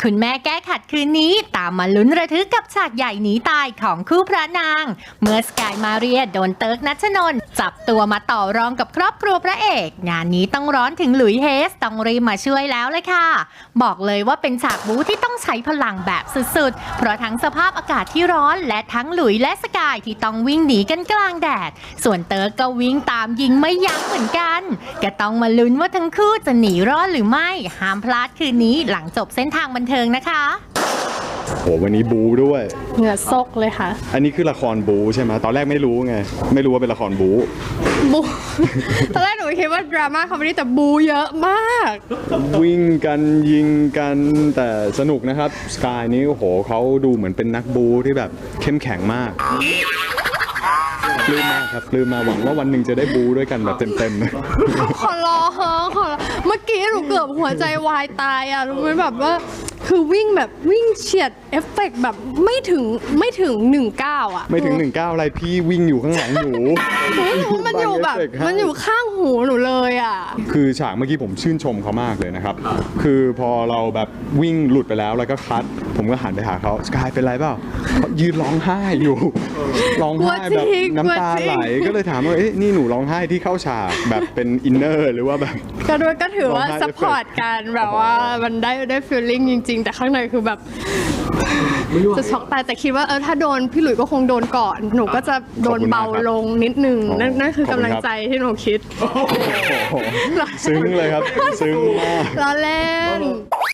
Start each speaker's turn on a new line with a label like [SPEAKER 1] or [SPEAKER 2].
[SPEAKER 1] คุณแม่แก้ขัดคืนนี้ตามมาลุ้นระทึกกับฉากใหญ่หนีตายของคู่พระนาง เมื่อสกายมาเรียโดนเติร์กนัชนนท์จับตัวมาต่อรองกับครอบครัวพระเอกงานนี้ต้องร้อนถึงหลุยเฮสต้องรีบมาช่วยแล้วเลยค่ะบอกเลยว่าเป็นฉากบู๊ที่ต้องใช้พลังแบบสุดๆเพราะทั้งสภาพอากาศที่ร้อนและทั้งหลุยและสกายที่ต้องวิ่งหนีกันกลางแดดส่วนเติร์กก็วิ่งตามยิงไม่ยั้งเหมือนกันก็ต้องมาลุ้นว่าทั้งคู่จะหนีรอดหรือไม่ห้ามพลาดคืนนี้หลังจบเส้นทางบันเทิงนะคะ
[SPEAKER 2] โหวันนี้บูด้วย
[SPEAKER 3] เหงื่อซกเลยค่ะ
[SPEAKER 2] อันนี้คือละครบูใช่ไหมตอนแรกไม่รู้ไงไม่รู้ว่าเป็นละครบู
[SPEAKER 3] บู ตอนแรกหนูคิดว่าดราม่าคอมเมดี้แต่บูเยอะมาก
[SPEAKER 2] วิ่งกันยิงกันแต่สนุกนะครับสกายนี้โอ้โหเขาดูเหมือนเป็นนักบูที่แบบเข้มแข็งมากปลื้มมากครับปลื้มมาหวังว่าวันหนึ่งจะได้บูด้วยกันแบบเต็มๆ
[SPEAKER 3] ขอรอเฮ้ขอรอเมื่อกี้หนูเกือบหัวใจวายตายอ่ะรู้ไหมแบบว่าคือวิ่งแบบวิ่งเฉียดเอฟเฟกต์แบบไม่ถึง19อ่ะ
[SPEAKER 2] ไม่ถึง19อะไรพี่วิ่งอยู่ข้างหลังหนู
[SPEAKER 3] มันอยู่แบบมันอยู่ข้างหูหนูเลยอ่ะ
[SPEAKER 2] คือฉากเมื่อกี้ผมชื่นชมเขามากเลยนะครับ คือพอเราแบบวิ่งหลุดไปแล้วก็คัดผมก็หันไปหาเขาสกายเป็นไรเปล่าเขายืนร้องไห้อยู่ร้องไห้แบบน้ำตาไหลก็เลยถามว่าเอ๊ะนี่หนูร้องไห้ที่เข้าฉากแบบเป็นอินเนอร์หรือว่าแบบ
[SPEAKER 3] ก็ถือว่าซัพพอร์ตกันแบบว่ามันได้ฟีลลิ่งจริงๆ แต่ข้างในคือแบบจะช็อกตายแต่คิดว่าถ้าโดนพี่หลุยก็คงโดนก่อนหนูก็จะโดนเบาลงนิดนึงนั่นคือกำลังใจที่หนูคิด
[SPEAKER 2] ซึ้งเลยครับซึ้งมาก
[SPEAKER 3] ล้อเล่น